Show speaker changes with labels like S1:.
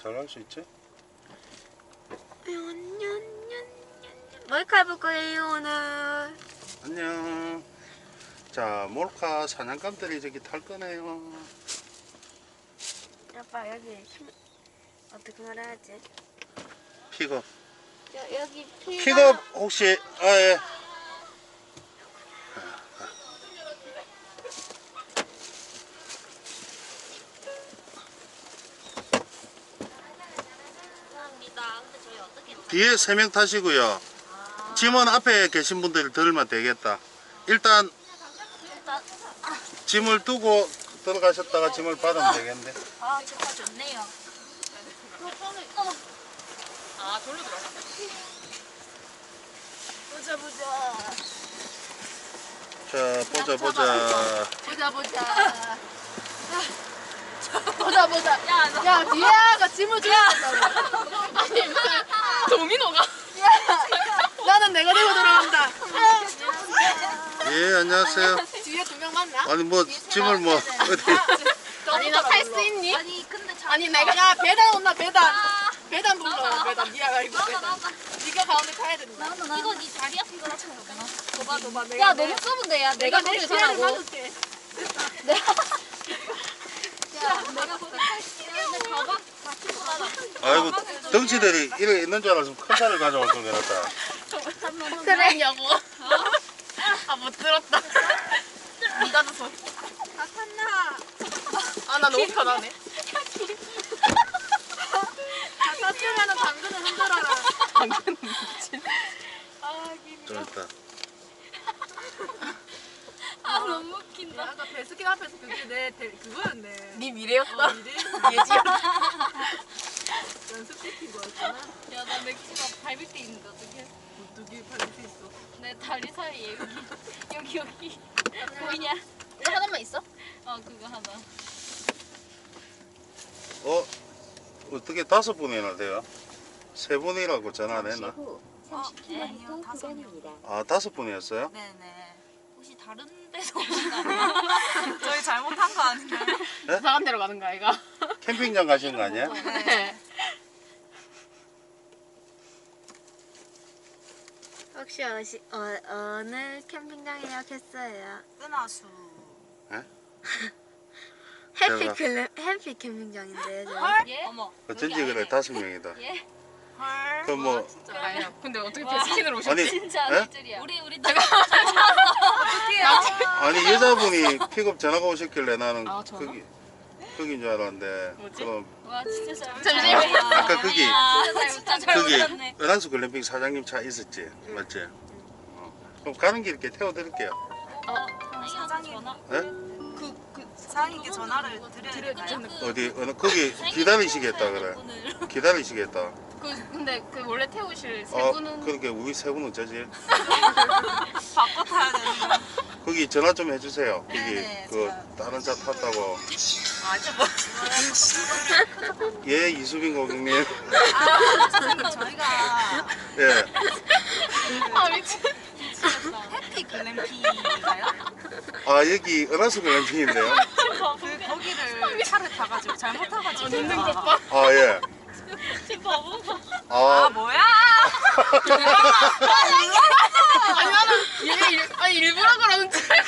S1: 잘할 수 있지?
S2: 뭘까 해볼 거예요 오늘.
S1: 안녕. 자, 몰카 사냥감들이 저기 탈 거네요.
S2: 아빠 여기 어떻게 말해야지?
S1: 픽업.
S2: 여기
S1: 픽업 혹시 예.
S2: 감사합니다. 근데 저희 어떻게
S1: 뒤에 3명 타시고요. 짐은 앞에 계신 분들이 들면 되겠다. 일단 짐을 두고 들어가셨다가 짐을 받으면 되겠는데.
S2: 아 좋다 좋네요.
S3: 아, 돌로 들어가.
S2: 보자 보자.
S1: 자, 보자.
S2: 보자 보자. 보자 보자. 야 뒤에가 짐을 줘야 된다고.
S3: 도미노가.
S2: 나는 내가 들고 들어간다.
S1: 예, 안녕하세요.
S2: 뒤에 두 명 맞나?
S1: 아니 뭐 짐을 뭐 어디
S2: 아니 나 탈 수 있니?
S3: 아니, 근데
S2: 아니 내가 야 배단 온나 배단. 배단 불러 배단. 니가 이거 배단. 니가 가운데 타야 된다.
S3: 이거 네 자리였으면 그렇잖아.
S2: 도봐 내가.
S3: 야, 너무 좁은데, 야. 내가
S2: 내
S3: 거기
S2: 기회를
S3: 가라고.
S2: 받을게.
S3: 내가 거기 탈게. 근데 가방 다 끼고 가라.
S1: 아이고 덩치들이 이렇게 있는 줄 알았으면 큰 차를 가져올 걸 그랬다.
S2: 그랬냐고. 아 못 들었다. 니가 줬어. 다 탔나? 아나 너무 편하네. 다 탔으면은 당근을 흔들어라. 당근은 미친. 아
S1: 좀 있다.
S3: 아, 너무 웃긴다.
S2: 아까 배스킨 앞에서 그게 그거였네.
S3: 네 미래였다.
S2: 예지였다. 연습시킨 거였구나.
S3: 야, 나 맥주가 밟을 때 있는데 어떡해.
S2: 두개 팔릴 수 있어.
S3: 내 다리 사이에 여기. 보이냐?
S2: 이거 하나만 있어?
S3: 어, 그거 하나.
S1: 어떻게 5분이나 돼요? 3분이라고 전화 안 했나?
S3: 아니요,
S4: 5km
S1: 아 5분이었어요?
S3: 네네. 혹시 다른 데서 오신 거 아니에요? 저희 잘못한 거 아닌가요?
S2: 이상한 데로 가는 거 아이가?
S1: 캠핑장 가신 거 아니야?
S2: 네. 혹시 어느 캠핑장 예약했어요?
S3: 은하수.
S2: 해피 캠핑장인데요. 저희.
S3: 예? 어머.
S1: 어쩐지 그래 5명이다.
S3: 예?
S1: 그럼 뭐
S2: 아니야. 근데 어떻게 배스킨으로 오셨지?
S1: 아니
S3: 진짜
S1: 예?
S3: 아닐 줄이야. 우리 내가
S1: 아니 여자분이 픽업 전화가 오셨길래 나는
S2: 아, 전화?
S1: 거긴 줄 알았는데
S2: 뭐지?
S1: 그럼
S3: 와, 진짜 잘
S2: 잠시만요.
S1: 아까 거기
S3: 진짜 잘
S1: 거기
S3: 몰랐네.
S1: 은한수 글램핑 사장님 차 있었지? 맞지? 그럼 가는 길 이렇게 태워드릴게요.
S3: 사장님 전화.
S1: 예?
S3: 사장님께 전화를 드려야
S1: 어디 거기 기다리시겠다 그래. 기다리시겠다.
S2: 근데 원래 태우실 세
S1: 아
S2: 분은
S1: 그러니까 우리 세 분은 어쩌지?
S3: 바꿔 타야 되는
S1: 거기 전화 좀 해주세요. 거기
S3: 네네,
S1: 그 다른 차 탔다고.
S3: 뭐.
S1: 예 이수빈 고객님.
S3: 사장님 저희가
S1: 예.
S2: 아 미친.
S3: 해피 글램핑인가요?
S1: 아 여기 은하수 글램핑인데요.
S3: 거기를 차를 타가지고 잘못 타가지고
S2: 눈등 봐.
S1: 아 예.
S3: 지금 바보가
S1: 아
S3: 뭐야?
S2: 아니 나는 얘 일부러 그러는 줄.